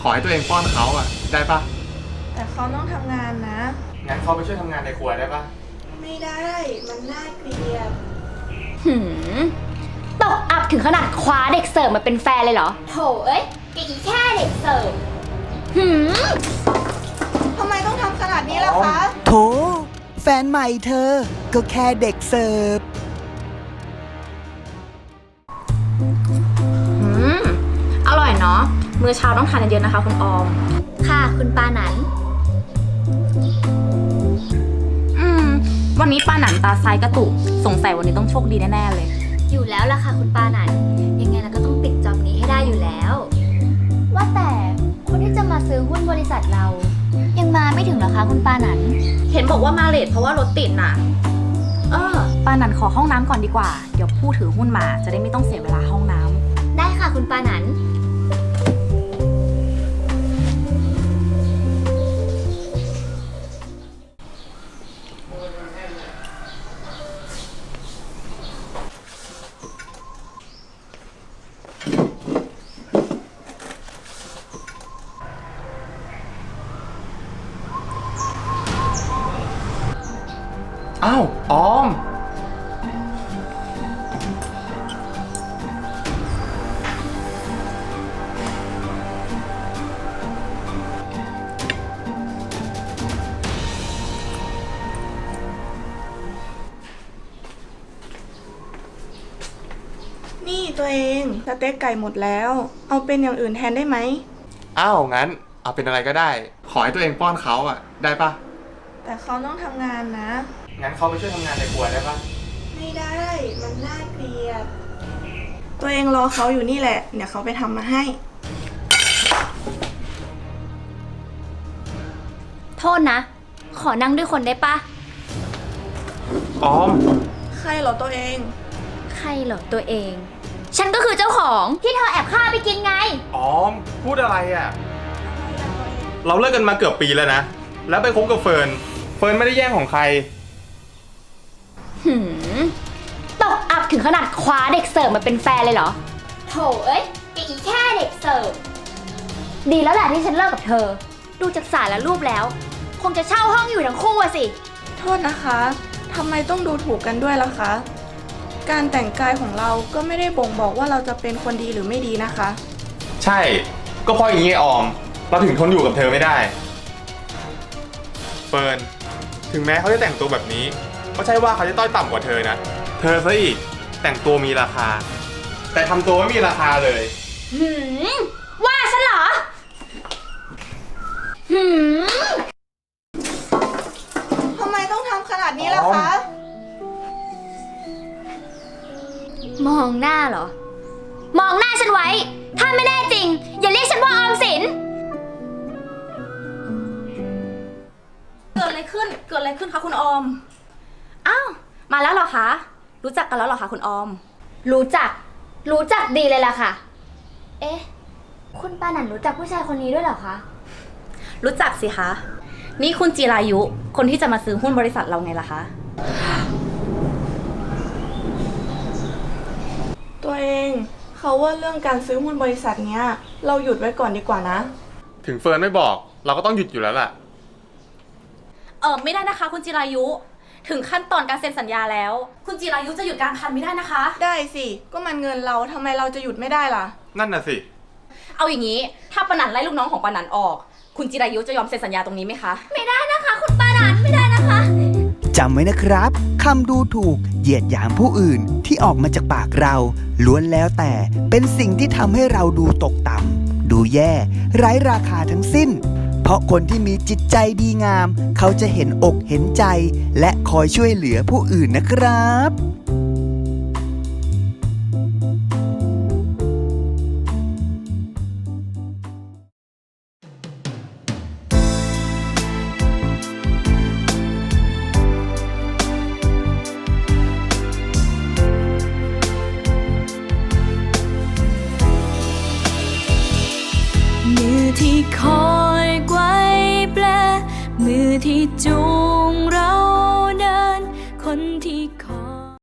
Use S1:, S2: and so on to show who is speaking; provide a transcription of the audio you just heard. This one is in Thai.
S1: อให้ตัวเองป้อนเขาอ่ะได้ปะ
S2: แต่เขาต้องทำงานนะ
S1: งั้นเขาไปช่วยทำงานในครัวได้ปะ
S2: ไม่ได้มันน่าเกลียด
S3: ตกอับถึงขนาดคว้าเด็กเสิร์ฟมาเป็นแฟนเลยเหรอโถเอ้ยอีแค่เด็กเสิร์ฟ
S2: ทำไมต้องทำขนาดนี้ล่ะคะ
S4: โถแฟนใหม่เธอก็แค่เด็กเสิร์ฟ
S5: อร่อยเนาะมื้อเช้าต้องทานเยอะๆนะคะคุณออม
S3: ค่ะคุณปาหนัน
S5: วันนี้ปาหนันตาซ้ายกระตุกสงสัยวันนี้ต้องโชคดีแน่ๆเลย
S3: อยู่แล้วล่ะค่ะคุณปาหนันยังไงเราก็ต้องปิดจอบนี้ให้ได้อยู่แล้วว่าแต่คนที่จะมาซื้อหุ้นบริษัทเรายังมาไม่ถึงเหรอคะคุณปาหนัน
S5: เห็นบอกว่ามาเลทเพราะว่ารถติดน่ะปาหนันขอห้องน้ำก่อนดีกว่าเดี๋ยวผู้ถือหุ้นมาจะได้ไม่ต้องเสียเวลาห้องน้ำ
S3: ได้ค่ะคุณปาหนัน
S1: อ้าวออม
S2: นี่ตัวเองสเต็กไก่หมดแล้วเอาเป็นอย่างอื่นแทนได้ไหม
S1: อ้าวงั้นเอาเป็นอะไรก็ได้ขอให้ตัวเองป้อนเขาอ่ะได้ปะ
S2: แต่เขาต้องทำงานนะ
S1: งั้นเขาไปช่วยทำงานในครัวได้ปะ
S2: ไม่ได้มันน่าเกลียดตัวเองรอเขาอยู่นี่แหละเดี๋ยวเขาไปทำมาให้
S3: โทษนะขอนั่งด้วยคนได้ปะ
S1: ออม
S2: ใครเหรอตัวเอง
S3: ใครเหรอตัวเองฉันก็คือเจ้าของที่เธอแอบฆ่าไปกินไง
S1: ออมพูดอะไรอ่ะเราเลิกกันมาเกือบปีแล้วนะแล้วไปคบกับเฟิร์นไม่ได้แย่งของใคร
S3: ตกอับถึงขนาดคว้าเด็กเสิร์ฟมาเป็นแฟนเลยเหรอโถเอ้ยอีแค่เด็กเสิร์ฟดีแล้วแหละที่ฉันเลิกกับเธอดูจากสายและรูปแล้วคงจะเช่าห้องอยู่ทั้งคู่อะสิ
S2: โทษนะคะทำไมต้องดูถูกกันด้วยล่ะคะการแต่งกายของเราก็ไม่ได้บ่งบอกว่าเราจะเป็นคนดีหรือไม่ดีนะคะ
S1: ใช่ก็เพราะอย่างนี้ออมเราถึงทนอยู่กับเธอไม่ได้เฟิร์นถึงแม้เขาจะแต่งตัวแบบนี้ก็ใช่ว่าเขาจะต้อยต่ำกว่าเธอนะเธอซะอีกแต่งตัวมีราคาแต่ทำตัวไม่มีราคาเลย
S3: ว่าฉันเหรอ
S2: ทำไมต้องทำขนาดนี้ล่ะคะ
S3: มองหน้าเหรอมองหน้าฉันไว้ถ้าไม่แน่จริงอย่าเรียกฉันว่าออมสิน
S5: เกิดอะไรขึ้นคะคุณออมอ้าวมาแล้วเหรอคะรู้จักกันแล้วเหรอคะคุณออม
S3: รู้จักดีเลยล่ะค่ะเอ๊ะคุณปาหนันรู้จักผู้ชายคนนี้ด้วยเหรอคะ
S5: รู้จักสิคะนี่คุณจิรายุคนที่จะมาซื้อหุ้นบริษัทเราไงล่ะคะ
S2: ตัวเองเขาว่าเรื่องการซื้อหุ้นบริษัทเนี้ยเราหยุดไว้ก่อนดีกว่านะ
S1: ถึงเฟิร์นไม่บอกเราก็ต้องหยุดอยู่แล้วล่ะ
S5: ไม่ได้นะคะคุณจิรายุถึงขั้นตอนการเซ็นสัญญาแล้วคุณจิรายุจะหยุดการคันไม่ได้นะคะ
S2: ได้สิก็มันเงินเราทำไมเราจะหยุดไม่ได้ล่ะ
S1: นั่นน่ะสิ
S5: เอาอย่างนี้ถ้าปานันไล่ลูกน้องของปานันออกคุณจิรายุจะยอมเซ็นสัญญาตรงนี้ไหมคะ
S3: ไม่ได้นะคะคุณปานันไม่ได้นะคะ
S4: จำไว้นะครับคำดูถูกเหยียดหยามผู้อื่นที่ออกมาจากปากเราล้วนแล้วแต่เป็นสิ่งที่ทำให้เราดูตกต่ำดูแย่ไร้ราคาทั้งสิ้นเพราะคนที่มีจิตใจดีงามเขาจะเห็นอกเห็นใจและคอยช่วยเหลือผู้อื่นนะครับ
S6: ที่คอยไกวแปลมือที่จูงเรา